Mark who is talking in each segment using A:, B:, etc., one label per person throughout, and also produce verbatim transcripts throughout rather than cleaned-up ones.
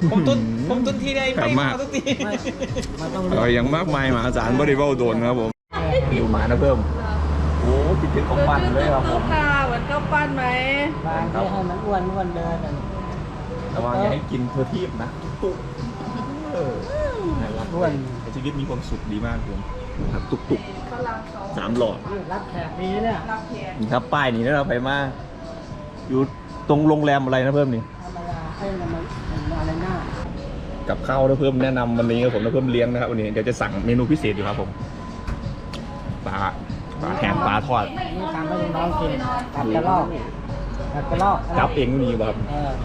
A: ผมต้นผมต้นทีได้ไม่มาทุกทีเออยังมากมายมหาศาลบริวารโดนครับผมอยู่หมานะเพิ่มโอ้คิดถึงของปั้นเลยครับผม
B: ค่ะเหมือนข้าวปั้นไหม
C: บางให้ให้มันอ้วนอ้วนเดิน
A: แต่ว่าอย่าให้กินเทอร์ทีบนะตุ๊กเอออ้วนชีวิตมีความสุขดีมากผมครับตุกตุกสามหลอด
C: รับแขกดีเนี่ย
A: นี่ครับป้ายนี่เราไปมาอยู่ตรงโรงแรมอะไรนะเพิ่มนี่
C: ธรรมดาให้มันอะไรหน้า
A: กับข้าวนะเพิ่มแนะนำวันนี้ครับผมนะเพิ่มเลี้ยงนะครับวันนี้เดี๋ยวจะสั่งเมนูพิเศษอยู่ครับผมปลาปลาแห้งปลาทอด
C: นี่ทำให้น้องกินตัดกระรอกตัดกระรอก
A: จับเองนี่แบบ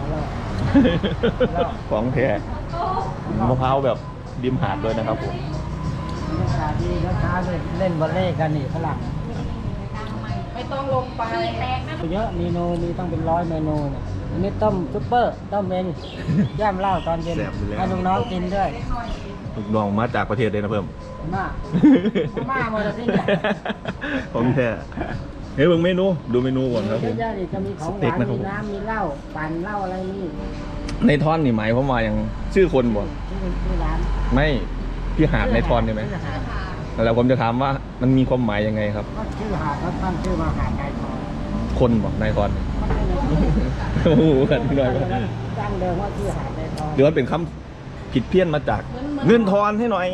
A: ของแท้มะพร้าวแบบริมหาดด้วยนะครับผม
C: ลูกค้าที่ลูกค้าเล่นบอลเล่กันนี่ฝรั่ง
B: ไม่ต้องลงไป
C: เยอะเมนูมีต้องเป็นร้อยเมนูเนี่ยอันนี้ต้มซุปเปอร์ต้มเมนย่ำเหล้าตอนเย็นให้ลูกน้องกินด้วย
A: ลูกน้องมาจากประเทศเลยนะเพิ่ม
C: มามาหมดสิ
A: ผมแท้เฮ้ยเบิ่งเมนูดูเมนูก่อนครับผม
C: จะมีของหวานมีน้ำมีเหล้าปั่นเหล้าอะไรนี่
A: ในท่อนนี่หมายความว่าอย่างชื่อคนบ่
C: ชื่อร้าน
A: ไม่พี่หาดในท่อนใช่ไหมแล้วผมจะถามว่ามันมีความหมายยังไงครับ
C: ชื่อหาดแล้วตั้งชื่อมาหาดนายทอน
A: คนบ่นายทอนโอ้โหกันหน่อย
C: ตั้งเดิมว่าชื่อหาดนายทอน
A: หรือว่าเป็นคำผิดเพี้ยนมาจากเงินทอนให้หน่อย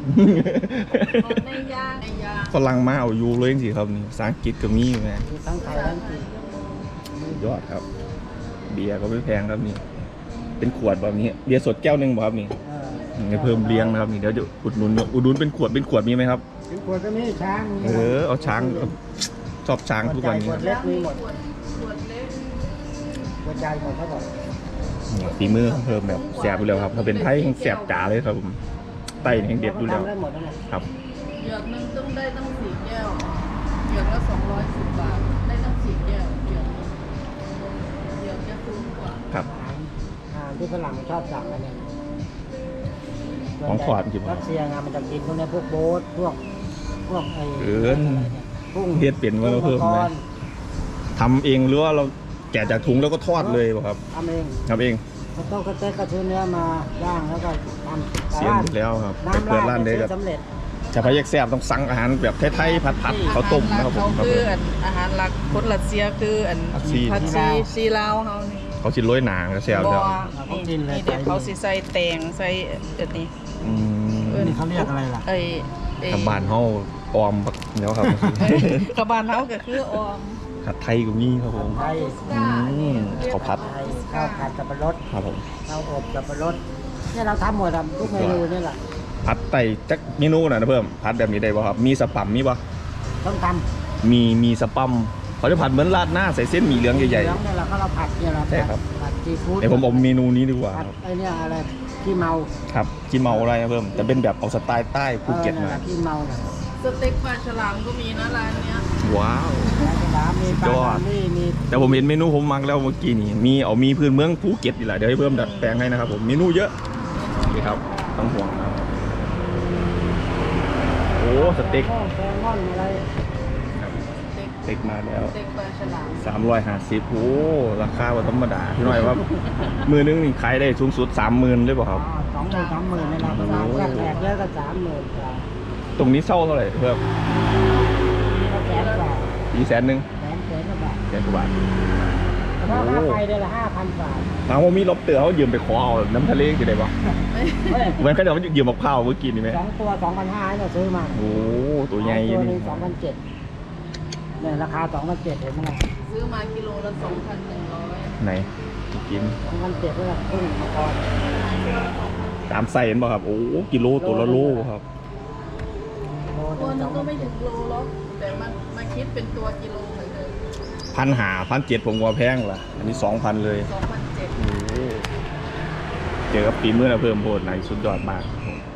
A: ฝรั่งมาเอาอยู่เลยจริงๆครับนี่ภาษาอังกฤษก็มีอยู่ไง
C: ทั้งไทยทั้งจีน
A: ยอดครับเบียร์ก็ไม่แพงครับนี่เป็นขวดแบบนี้เบียร์สดแก้วหนึ่งบ่ครับนี่เพิ่มเลี้ยงนะครับนี่เดี๋ยวจะอุดหนุนอุดหนุนเป็นขวดเป็นขวดมีไหมครับ
C: เป็นขวดก็มีช้าง
A: เออเอาช้างชอบช้างทุกวันนี้
C: ขวดเล็กมีหมดขวดใหญ่หมดครับผม
A: ฝีมือเพิ่มแบบแสบอยู่แล้วครับถ้าเป็นไทยแสบจ๋าเลยครับผมไตแห่งเด็ดอยู่แล้วครับ
B: เหยือกนึงต้องได้ตั้งสี่แก้วเหยือกละสองร้อยสิบบาทได้ตั้งสี่แก้วเหยือกเหยือกจะคุ้มกว่า
A: ครับ
C: ที่ฝรั่งชอบสั่งกันเนี่ย
A: ของขวดจริง
C: รัสเซียงานมันจะกินพวกนี้พวกโบ๊ทพวกพวกไอ้
A: เออกุ้งเฮ็ดเป็นว่าเราเพิ่มไหมทำเองหรือว่าเราแกะจากถุงแล้วก็ทอดเลยป่ะครับ
C: ทำเอง
A: ทำเอง
C: ก็ต้องกระเต๊กกระชื้นเนื้อมาย่างแล้วก็ท
A: ำเสียงหมดแล้วครับเปิดร้านเด็ก
C: สำเร็จ
A: ชาวพยักแซ่บต้องสั่งอาหารแบบไทยๆผัดๆเขาต้มนะครับผม
B: คืออาหารหลักคนรัสเซียคืออันผัดซีซีลาวเขานี่
A: เขาชิ้นร้อยหนาก็แซ่บแล้ว
B: นี่นี่เดี๋ยวเขาสิใส่แตงใส่อันนี้
A: อืม
C: นี่เขาเรียกอะไรล่ะ
B: ไอ้
A: กระบานเฮาออมเนาะครับ
B: กระบานเฮาก็คือออม
A: ผัดไทยก็มีครับผม
C: ไทย
A: ข้าวผัด
C: ข้าวผัดสับปะรด
A: ครับผม
C: ข้าวอบสับปะรดเนี่ยเราทำหมดทุกเมนูนี่แหละ
A: ผัดไต่จักเมนูนะเพิ่มผัดแบบนี้ได้ป่ะครับมีสปัมมีป่ะ
C: ต้องท
A: ำมีมีสปัมเขาจะผัดเหมือนราดหน้าใส่เส้นหมี่เหลืองใหญ่ๆ
C: เหลืองเนี่ยเราก็เราผัดเนี่ยเรา
A: ใช่ครับ
C: ผัดซีฟู้ด
A: เดี๋ยวผมเอาเมนูนี้ดีกว่า
C: ครับไอเนี่ยอะไรขี้เมา
A: ครับขี้เมาอะไรเพิ่มแต่เป็นแบบเอาสไตล์ใต้ภูเก็ตมา
C: ขี้เมา
B: สเต็กปลาฉลามก็มีนะร้านเนี้ย
A: ว้าว
C: ปลาฉลามมีปลานี่มี
A: แต่ผมเห็นเมนูผมมักแล้วเมื่อกี้นี่มีเอามีพื้นเมืองภูเก็ตอีกแหละเดี๋ยวให้เพิ่มดัดแปลงให้นะครับผมเมนูเยอะนี่ครับต้องห่วงนะโอ้สเต็ก
C: แซลมอนอะไร
A: สเต็กมาแล้วสามร้อยห้าสิบโอ้ราคาว่าธรรมดาพี่หน่อยว่ามือนึงนี่ขายได้สูงสุดสามหมื่นเลยเปล่าครับ
C: สองหมื่นสามหมื่นเลยนะแขกเยอะก็สามหมื่น
A: ตรงนี้เศร้าเท่าไหร่เพิ่ม
C: แสนกว่า
A: อีแสนหนึ่ง
C: แสนแสนกว่าบาท
A: แสนกว่าบาท
C: เพราะค่าไฟเดือนละห้าพันบาท
A: ถามว่ามีล็อบเตอร์เขายืมไปขอเอาน้ำทะเลกี่ได้ปะเหมือนเขาเดี๋ยวมันยืมมะพร้าวเมื่อกี้นี่ไหม
C: สองตัวสองพันห้าเราซื้อมา
A: โอ้ตัวใหญ่
C: ตัวนึงสองพันเจ็ดเนี่ยราคาสองพันเจ็ดเห็นไหม
B: ซื้อมากิโลละสองพันหนึ่งร้อย
A: ไหนกิน
C: สองพันเจ็ดเพื่อกุ้งมังกร
A: ตามไซส์เห็นป่ะครับโอ้กิโลตัวละโลครับ
B: ตัวนึงก็ไม่ถึงโลหรอกแต่มันมาคิดเป็นตัวกิโลเหมือนเดิม
A: พันหาพันเจ็ดผมว่าแพงล่ะอันนี้สองพันเลย
B: สองพันเจ็ด
A: เจอกับปีเมื่อเราเพิ่มโบดไหนสุดยอดมาก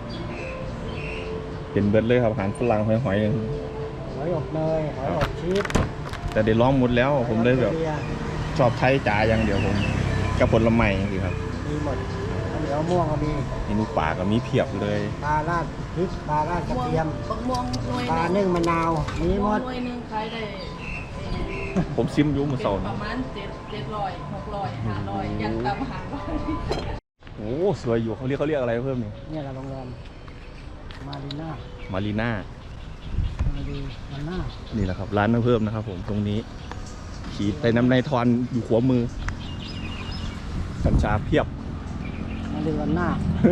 A: เป็นเบิร์ดเลยครับอาหารฝรั่งหอยหอย
C: หอยอบเนยหอยอบชีส
A: แต่ได้ลองหมดแล้วผมเลยแบบชอบไทยจ๋าอย่างเดียวผมกับผลไม้ดีครับ
C: มีหมดเหนียวม่วงก็มี
A: เมนูป่าก็มีเพียบเลย
C: ปลาราดพริกปลาราดกระเทียมปลานึ่งมะนาวมีหมด
A: ผมซิมยุ่งมือสอง
B: ประมาณเจ็ดเจ็ดร้อยหกร้อยห้าร้อยยังตามหาว่า
A: โอ้สวยอยู่เขาเรียกเขาเรียกอะไรเพิ่มนี่
C: เนี่ยเราโรงแรมมารีน่า
A: มารีน่า
C: มารีน่า
A: นี่แหละครับร้านน้ำเพิ่มนะครับผมตรงนี้ขีดไปน้ำในทอนอยู่ขวามือกัญชาเพียบ
C: มารีน่า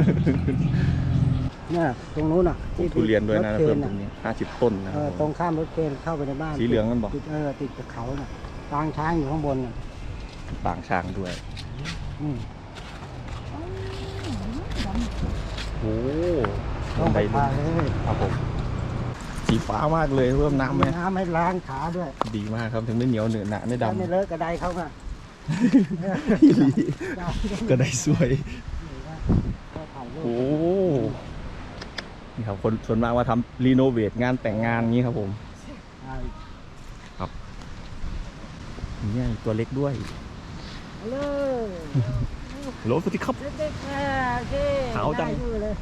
C: เนี่ยตรงนู้นอ่ะ
A: ทุเรียนด้วยนะ
C: รถ
A: เพิ่ม
C: ค
A: ตรงนี้ห้าสิบต้นนะค
C: เอ
A: รับ
C: อตรงข้ามรถเคนเข้าไปในบ้าน
A: สีเหลืองกันบอก
C: ติดเออติดกับเขาน่ะทางช้างอยู่ข้างบนน่ะ
A: ต่างช้างด้วย
C: อืม
A: โอ้
C: ต้องไป
A: บั
C: พาน
A: ได
C: เลย
A: ครับผมสีฟ้ามากเลยเพิ่มน้ำไหม
C: น้ำให้ล้างขาด้วย
A: ดีมากครับถึงไม่เหนียวเหนอะหนะไม่
C: ถ้า
A: ดำ
C: ไม่เลอะกระไดเขาอ่ะ
A: อีหลีก็ได้สวย
C: ก็ถ่ายรูป
A: โอ้นี่ครับคนส่วนมากว่าทำรีโนเวทงานแต่งงานงี้ครับผม
C: ใช่
A: นี่ตัวเล็กด้วย
C: เอาเลย
A: โหลสวัสดีครับ
C: เด็กๆอ่ะโอเค
A: ขาวจัง
C: ได้อยู่เลย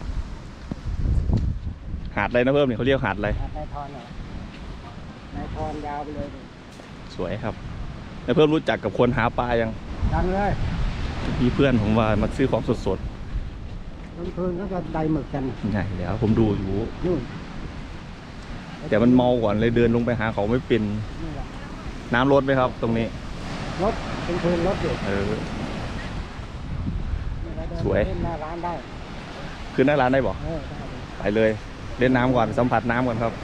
A: หาดอะไรนะเพิ่มเนี่ยเขาเรียกหาดอะไร
C: อ่ะนายทอนเหรอนายทอนยาวไปเลยดิ
A: สวยครับแล้วเพิ่มรู้จักกับคนหาปลายัง
C: ดังเลย
A: มีเพื่อนผมว่ามาซื้อของสด
C: กลางคืนก็จะไดหมึกกัน
A: ๆใช่แล้วผมดูอยู่
C: นู่น
A: แต่มันเมาก่อนเลยเดินลงไปหาเขาไม่เป็น
C: นี่แหละ
A: น้ำลดไหมครับ ตรงนี้
C: รถกลางคืนรถอยู่
A: เออ
C: นี่เราเดิน
A: สวย
C: เล่นหน้าร้านได้
A: ขึ้นหน้าร้านได้บอก
C: เออได้เลย
A: ไปเลย เล่นน้ำก่อนสัมผัสน้ำก่อนครับ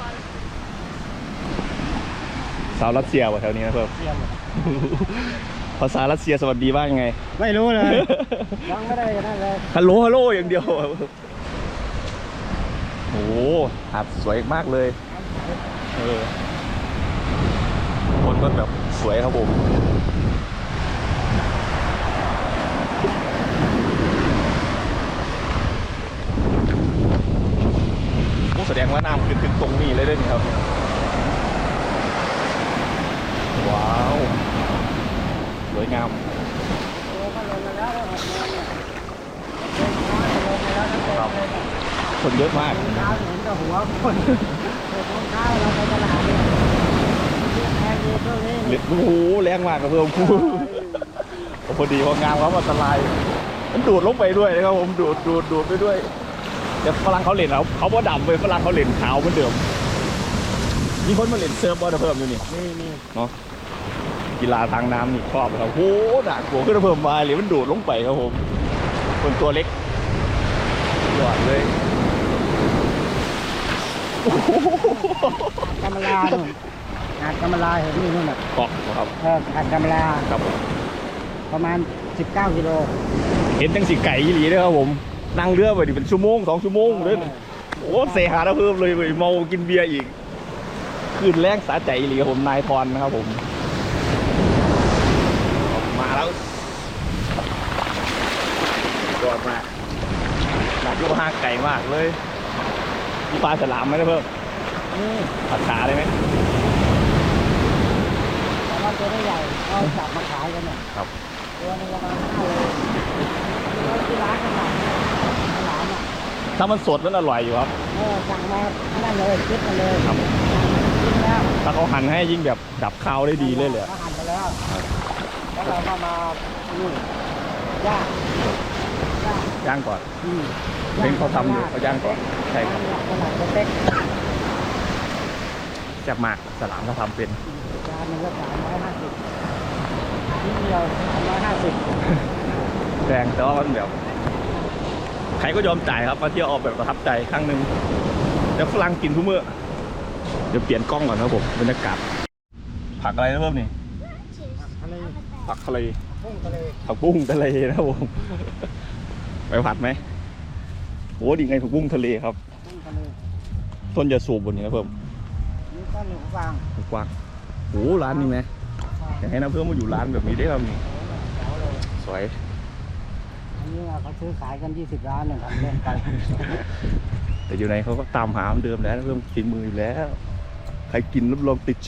A: สาวรัสเซียวะแถวนี้นะเพิ่ม
C: เยี่ยมเลย
A: ภาษารัสเซียสวัสดีว่ายังไง
C: ไม่รู้เลย ยังไม่ได้กันนั่นเลย
A: ฮัลโหลฮัลโหลอย่างเดียวโอ้โหหาดสวยมากเลยเออคนก็แบบสวยครับผมโอ้แสดงว่าน้ำขึ้นถึงตรงนี้เลยด้วยนี่ครับว้าวสวยงาม
C: โอ้ก็ลงมาแล้วแล้วหกโมงเนี่ยเดินช้าจะลงมาแล้วนะเต็มเลยเนี่ย
A: คนเยอะมาก
C: เช้าเห็นแต่หัวคนเด็กของเช้าเราไปตลาดเนี่ยแพงดีช่วงนี้
A: เล็ดโอ้โหแรงมากครับเพื่อนพอดีพองามครับอันตรายมันดูดลงไปด้วยนะครับผมดูดดูดดูดไปด้วยแต่ฝรั่งเขาเล่นเขาเขาบ่ดำเลยฝรั่งเขาเล่นขาวเหมือนเดิมมีคนมาเล่นเซิร์ฟบอลเพิ่มอยู่นี่
C: นี่นี่
A: เนาะกีฬาทางน้ำนี่ชอบครับโอ้โหหนักกลัวขึ้นมาเพิ่มมาเลยมันดูดลงไปครับผมคนตัวเล็กยอดเลยโอ้โห
C: กำมะลาหนุ่มหาดกำมะลาเห็นนี่นู่นน่ะ
A: เกาะครับ
C: เออหาดกำมะลา
A: ครับผม
C: ประมาณสิบเก้ากิโล
A: เห็นจังสีไก่ยี่หลีด้วยครับผมนั่งเรือไปดิเป็นชั่วโมงสองชั่วโมงเลยโอ้เสียหาแล้วเพิ่มเลยเว้ยเมากินเบียร์อีกคืนแรงสาใจอีหลีครับผมนายทอนนะครับผมมาแล้วยอดมากหนักลูกห้างไก่มากเลยมีปลาฉลามไหมนะเพิ่ม
C: นี่
A: ผัดขาได้ไหม
C: แต่ว่าตัวไม่ใหญ่เอาจับมาขายกันเนี่ย
A: ครับ
C: ตัวนึงประมาณห้าโลเราที่ร้านกันหน่อยฉลามอ่ะ
A: ถ้ามันสดมันอร่อยอยู่ครับ
C: เออสั่งมานั่นเลยคิดมาเลย
A: ครับ
C: กินแล้ว
A: ถ้าเขาหั่นให้ยิ่งแบบดับข้าวได้ดีเลยเลย
C: เขาหั่นไปแล้วแล้วเราก็มานี่ย่างย่าง
A: ย่างก่อน
C: อืม
A: เพ่งเขาทำอยู่เขาย่างก่อนใช่ครับ
C: ขนาดเล็ก
A: แซ่บมากสลามเขาทำเป็น
C: ๆจานหนึงก็สามร้อยห้าสิบนิดเดียวสามร้อยห้าสิบ
A: แรงแต่ว่ามันแบบใครก็ยอมจ่ายครับมาเที่ยวออกแบบประทับใจครั้งหนึ่งแล้วฝรั่งกินทุกมื้อเดี๋ยวเปลี่ยนกล้องก่อนครับผมบรรยากาศผักอะไรนะเพิ่มนี่
C: ทะเล
A: ผักทะเล
C: พุ่งทะเล
A: ผักบุ้งทะเลนะครับผมไปผัดไหมโอ้ดีไงผักบุ้งทะเลครับ
C: พุ่งทะเล
A: ต้นยาสูบบนนี้นะเพิ่ม
C: นี่ก็หนูฟาง
A: กว้างโอ้ร้านนี้ไหมอยากให้นะเพิ่มมาอยู่ร้านแบบนี้ได้ครับนี่
C: แถวเลย
A: สวย
C: อันนี้เขาซื้อขายกันยี่สิบล้านเนี่ยทำเล่นไป
A: แต่อยู่ในเขาก็ตามหาเหมือนเดิมแล้วเพิ่มฝีมืออยู่แล้วใครกินรับรองติดใจ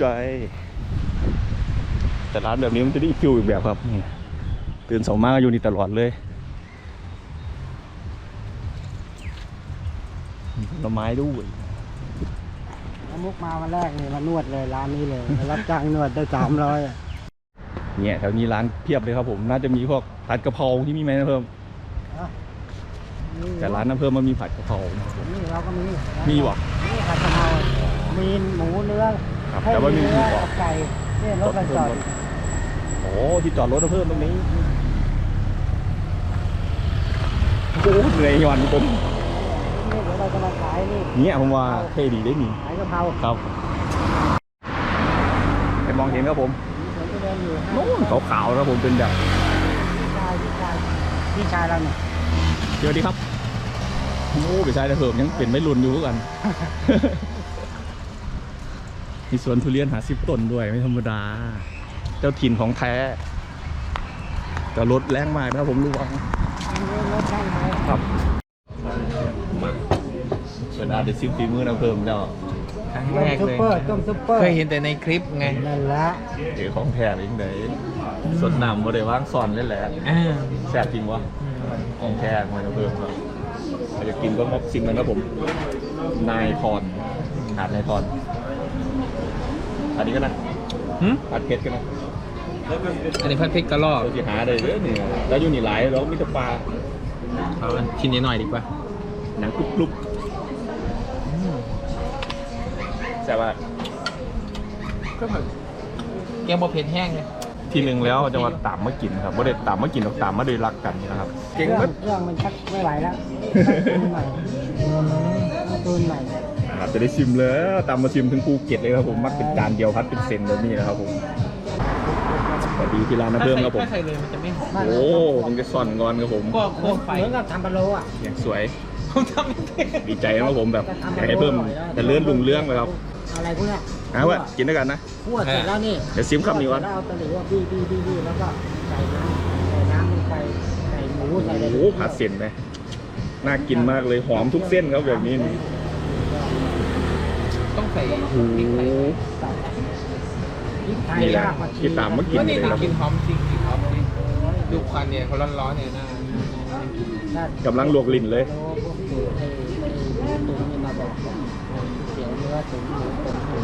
A: แต่ร้านแบบนี้มันจะได้ฟิลอีกแบบครับนี่ตื่นสองมากอยู่นี่ตลอดเลยมีผลไม้ด้วย
C: น้ำมุกมาวันแรกนี่มานวดเลยร้านนี้เลยรับจ้างนวดได้สามร้อย
A: เนี่ยแถวนี้ร้านเพียบเลยครับผมน่าจะมีพวกผัดกะเพราที่มีไหมนะเพิ่มแต่ร้านน้ำเพิ่มมันมีผัดกะเพรานะครับผม
C: นี่เราก็มี
A: มีวะ
C: นี่ผัดกะเพรามีหมูเนื้อ
A: ครับ
C: ให้
A: แต่ว่ามีหมู
C: เนื้อก
A: รอบ
C: กับไก่เนี่ยรถมันจอด
A: โอ้ที่จอดรถน้ำเพิ่มตรงนี้โอ้เหนื่อยหย่อนคน
C: นี่เดี๋ยวเราจะมาขายนี่
A: เนี่ยผมว่าเท่ดีได้นี่
C: ขายกะเพรา
A: ครับไปมองเห็นครับผม
C: มีสวนทุเรียนอยู่
A: โน่นขาวๆนะผมเป็นแบบ
C: พี่ชายพี่ชายพี่ชายเราเนี่ย
A: สวัสดีครับโอ้ไปใช้แต่เพิ่มยังเป็นไม่รุนอยู่กัน มีสวนทุเรียนหาสิบต้นด้วยไม่ธรรมดา เจ้าถิ่นของแท้แต่รถแรงมากนะผมรู้ว่า
C: รถช่างไหม
A: ครับเป็นอาร์ติซิมฝีมือนะเพิ่มแล้ว
D: ครั้ง
C: ต้
D: แร
C: ม
D: ก
C: ซุป
D: เลย
C: เปอร์ต้มซุปเปอร์
D: เคยเห็นแต่ในคลิปไง
C: นั่นละ
A: เดี๋ยวของแท้อีกไหนสดน้ำมาได้ว่างซ่อนเล่นแหละ
D: อ่า
A: แซ่บจริงวะของแท้มันนะเพิ่มครับใครจะกินก็มาชิมกันนะผมนายทอนหาดนายทอนอันนี้ก็นะ
D: หึ
A: ผัดเพชรกันนะ
D: อันนี้พัดพริกกระรอก
A: เราจะหาได้เยอะนี่แล้วอยู่นี่หลายแล้วมีแต่ปลา
D: เอาอันชิ้นนี้หน่อยดีกว่า
A: หนังกรุบๆแซ่บว่า
D: ก็แบบแกงบะเผ็ดแห้งเลย
A: ทีหนึ่งแล้วจะมาตามมากินครับไม่ได้ตามมากินหรอกตามมาโดยรักกันนะครับ
C: เครื่องเครื่องมันชักไม่ไหวแล้วต้องตูนใหม่ต้องตูนใหม่
A: ครับจะได้ชิมแล้วตามมาชิมถึงภูเก็ตเลยครับผมมักเป็นจานเดียวพัดเป็นเซนแบบนี้นะครับผมสวัสดีที่ร้านน้ำเพิ่มครับผม
D: ถ้าใส่เลยมันจะไม่หอม
A: โอ้ผมจะซ่อนงอนครับผม
D: ก็โคกไฟ
C: เหมือนกับทำปลาโลอ่ะ
A: อย่างสวย
D: ผมทำไม่เป็น
A: ดีใจนะครับผมแบบอยากให้เพิ่มแต่เลื่อนลุงเรื่องเลยครับ
C: อะไรพวกเนี้ย
A: นะว่ากินด้วยกันนะ
C: คั่วเสร็จแล้วนี่
A: เดี๋ยวซิมคำนี้วะ
C: แล้วเอาตะหลิวบี้บี้บี้บี้แล้วก็ใส่น้ำใส่น้ำลงไปใส่หมูใส่อะไร
A: โอ้โหผัดเส้นไหมน่ากินมากเลยหอมทุกเส้นครับแบบนี้นี่
D: ต้องใส่
A: โอ้โห
D: พริกไทย
C: พริกไทย
A: นี่แหละ
C: รากผักชี
A: ที่ตามมากิน
D: ก็
A: เล
D: นี่
A: ยครับ
D: กินหอมจริงกินหอมจริงดูควันเนี่ยเขาร้อนๆเนี่ยนะ
C: ถ้าก
A: ำลังลวกลิ้นเลย
C: โลพวกสูตรไอ้ไอ้หมูตุ๋นนี่มาบอกเตี๋ยวเนื้อตุ๋นหมูตุ๋นหมู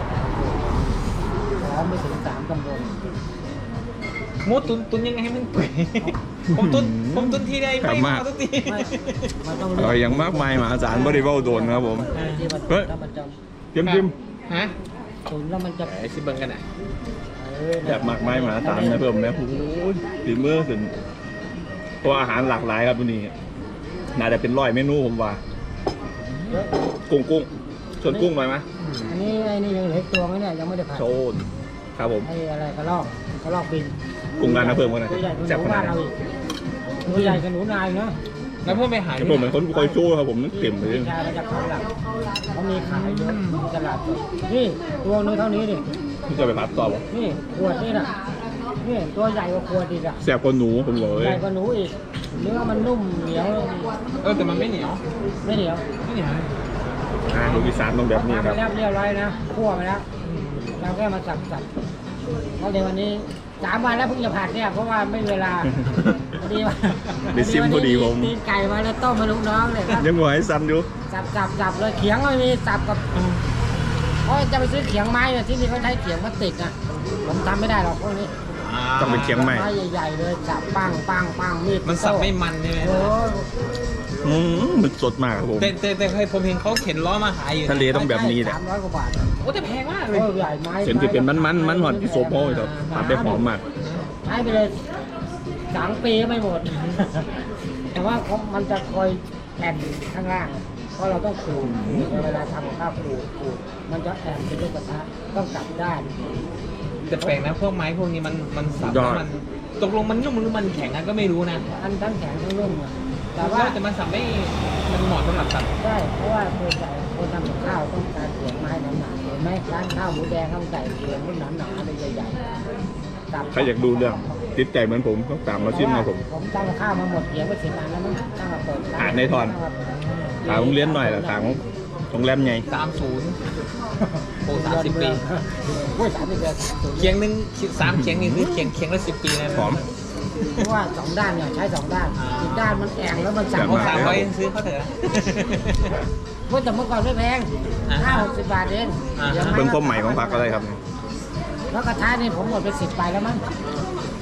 C: หอมไม่ถึงสามตำบล
D: หมูตุนตุนยังไงให้มันเปื่อยผมตุนผมตุนทีใดไม่มาทุกที
C: ไม่มันต้อง
A: เออยังมากมายมหาศาลบริวารโดนครับผม
C: ที่มัน
A: เฮ้ย
C: แล้วมันจะ
A: เจิ้มจิ้ม
D: ฮะ
C: ตุ๋นแล้วมันจะ
D: ไอ้ซิเบิงกันอ่ะ
C: เออ
A: แบบมากมายมหาศาลนะเพิ่มนะโอ้โหฝีมือขึ้นเพราะอาหารหลากหลายครับวันนี้น่าจะเป็นร้อยเมนูผมว่า
C: เยอะ
A: กุ้งกุ้งชวนกุ้งไปไหม
C: อันนี้ไอ้นี่ยังเหลืออีกตัวไหมเนี่ยยังไม่ได้ผัด
A: โชนครับผม
C: ไอ้อะไรกระลอกกระลอกบิน
A: กุ้งร้านนะเพิ่มกันนะ
C: ตัวใหญ่กว่าห
A: แซ่บ
C: นู
A: ขนา
C: บ้า
A: ด
C: น
A: ไหน
C: เราอีกตัวใหญ่กับหนูนายเนาะ
D: แล้วเพื่อนไปหา
A: แต่ผมเหมือนคนคอยโชว์ครับผมนั่นเต็มเลย
C: ชายมาจากเขาหลักเขามีขายเยอะมีตลาดสดนี่ตัวนึงเท่านี้ดิ
A: ที่จะไปพัดต่อบ่
C: นี่ขวดนี่น่ะนี่ตัวใหญ่กว่าขวดอีกอ่ะ
A: แซ่บกว่าหนูผมบอกเล
C: ให
A: ย
C: ญ่กว่าหนูอีกเนื้อมันนุ่มเหนียว
D: เออแต่มันไม่เหนียว
C: ไม่เหนียว
D: ไม่เหนียว
A: อ่าลูกอีสานต้องแบบนี้
C: ทำ
A: ค
C: ไป
A: รับ
C: แล้วเรียบร้อยนะคั่วไปแล้วเราแค่มาสับสับแล้วเดี๋ยววันนี้สามวันแล้วเพิ่งจะผัดเนี่ยเพราะว่าไม่มีเวลาพอดีว่า
A: ได้ซิมพอดีผม
C: ตีนไก่มาแล้วต้มมาลูกน้องเลยครับ
A: ยังหัวให้ซ้ำอยู่
C: สับสับสับเลยเขียงก็ไม่มีสับกับเพราะจะไปซื้อเขียงไม้เนี่ยที่นี่เขาใช้เขียงพลาสติกนะผมทำไม่ได้หรอกพวกนี้
A: ต้องเป็นเชียงใหม่
C: ไม้ใหญ่ๆเลยสับปังปังปังมีด
D: มันสับไม่มันใช่ไหม
C: โอ้
A: อืมมันสดมากครับผม
D: แต่แต่แต่เคยผมเห็นเขาเข็นล้อมาขายอยู่
A: ทะเลต้องแบบนี้แหละ
C: สามร้อยกว่าบาท
D: โอ้แต่แพงมากเล
C: โอ้
D: ย
C: ใหญ่ไม้
A: เส้นที่เป็นมันมันมันหอดที่โซโพเลยครับผัดได้หอมมาก
C: ใช้ไปเลยสามปีก็ไม่หมด แต่ว่าเขามันจะคอยแอนข้างล่าง เพราะเราต้องขูดเวลาทำกับข้าวขูดขูดมันจะแอนเป็นลูกกระทะต้องกลับด้าน
D: แต่แปลกนะพวกไม้พวกนี้มันมันสับ
A: ยอด
D: แล้วมันตกลงมันนุ่มหรือมันแข็งอะก็ไม่รู้นะ
C: อันทั้งแข็งทั้งนุ่มอะแต่
D: แต่
C: ว่า
D: ว่าแต่มันสับไม่มันเหมาะสำหรับสับ
C: ได้เพราะว่าคนใหญ่คนทำกับข้าวต้องการเสียงไม้หนาๆเห็นไหมร้านข้าวหมูแดงต้องใส่เสียงรุ่นหนาๆเลยใหญ่ๆสับ
A: ใครอยากดูเรื่องติดใจเหมือนผมต้องตามมาชิมนะผม
C: ผมทำกับข้าวมาหมดเสียงไปสิบอันแล้วมั้งตั้งแต่เปิดร้
A: อ่านในทอน ถามโรงเรียนหน่อยละถามโรงแรมไง
D: สามศูนย์โอ้สามสิบปี
C: โอ้ยสามสิบปี
D: เคียงหนึ่งสามเคียงนี่คือเคียงเคียงละสิบปีนะ
A: หอม
C: เพราะว่าสองด้านเนี่ยใช้สองด้าน อีกด้านมันแองแล้วมันสั่ง
D: โอ้
A: แบบ
D: สามร้อยซื้อเขาเถอะ
C: เมื่อแต่เมื่อก่อนไม่แพง
D: อ่า
C: ห้าหกสิบบาทเอง
D: อ่า
C: ดี๋ยว
A: เบิ่งความใหม่ของผักอะไรครับ
C: แล้วกระทะนี่ผมหมดไปสิบใบแล้วมั้ง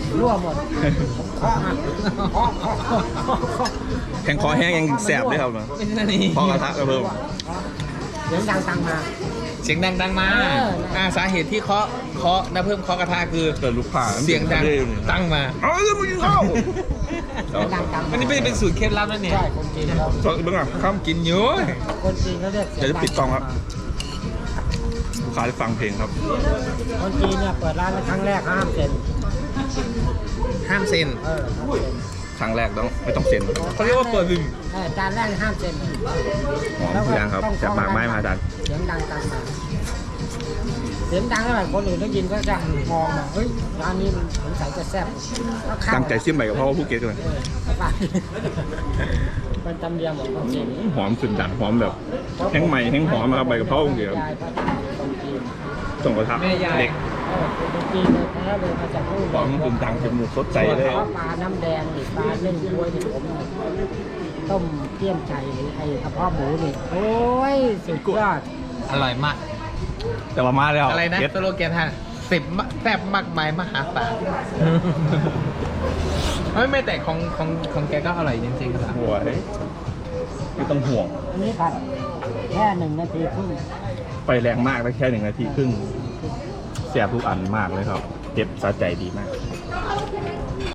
C: รั่วหมดเคาะหักเคาะเคาะเคาะเคาะ
A: แข็งคอแห้งยังแสบเลยครับเนาะ
D: ไม่ใช่นี่
A: พอกระทะกระเพิ่ม
C: เสียงดังตังมา
D: เสียงดังดังมา
C: เออ
D: อ่าสาเหตุที่เคาะเคาะนะเพิ่มเคาะกระทะคือ
A: เกิดลูกค้า
D: เสียงดังตั้งมา
A: เอาเรื่องมึงเข้า
C: เสียงดังตังมา
D: อันนี้เป็นเป็นสูตรเคล็ดลับนั่นเนี่ย
C: ใช่คนจีนเขา
A: สดเบื้องอ่ะข้าม
D: กินอยู่
C: คนจีนเขาเรียกเสียง
A: เดี๋ยวจะปิดกล้องครับ ลูกค้าได้ฟังเพลงครับ
C: คนจีนเนี่ยเปิดร้านครั้งแรกห้ามเซ็น
D: ห้ามเซ็น
C: เออห้ามเซ็น
A: ครั้งแรกต้องไม่ต้องเซ็น
D: เขาเรียกว่าเปิดลืม
C: เออจานแรกห้ามเซ็น
A: หอมทุกอย่างครับจากหมากไม้มาอาจารย์
C: เสียงดังตังมาเสียงดังเท่าไหร่คนอื่นได้ยินก็จะมองมาเฮ้ยร้านนี้มันสงสัยจะแซ่บก็เข้า
A: ตั้งใจซิมใหม่กับพ่อภูเก็ตกันเลย
C: เออไปเป็นตำเนียมของคนจีน
A: หอมสุดดังหอมแบบแห้งใหม่แห้งหอมนะครับใบกะเพราเดียว
C: ยายก็คนจีน
A: ส่งกระทะ
D: แม่ยาย
A: เด็ก
C: เออเป็นคนจีนเลยแท้เลยมาจากนู่น
A: หอมสุดดังจมูกสดใจเลย
C: เพราะปลาน้ำแดงนี่ปลาเล่นบ้วยนี่ผมนี่ต้มเกี๊ยมไก่หรือไอ้กระเพาะหมูนี่โอ้ยสุดยอด
D: อร่อยมาก
A: แต่ว่ามาแล้ว
D: อะไรนะ
A: เด็ด
D: สโลแกนท่านสิบมะแซ่บมากมายมหาศาลไม่ไม่แต่ของของของแกก็อร่อยจริงๆครับ
A: หัวเฮ้ยไม่ต้องห่วง
C: อันนี้ผัดแค่หนึ่งนาทีครึ่ง
A: ไฟแรงมากได้แค่หนึ่งนาทีครึ่งแสบทุกอันมากเลยครับเจ็บสะใจดีมาก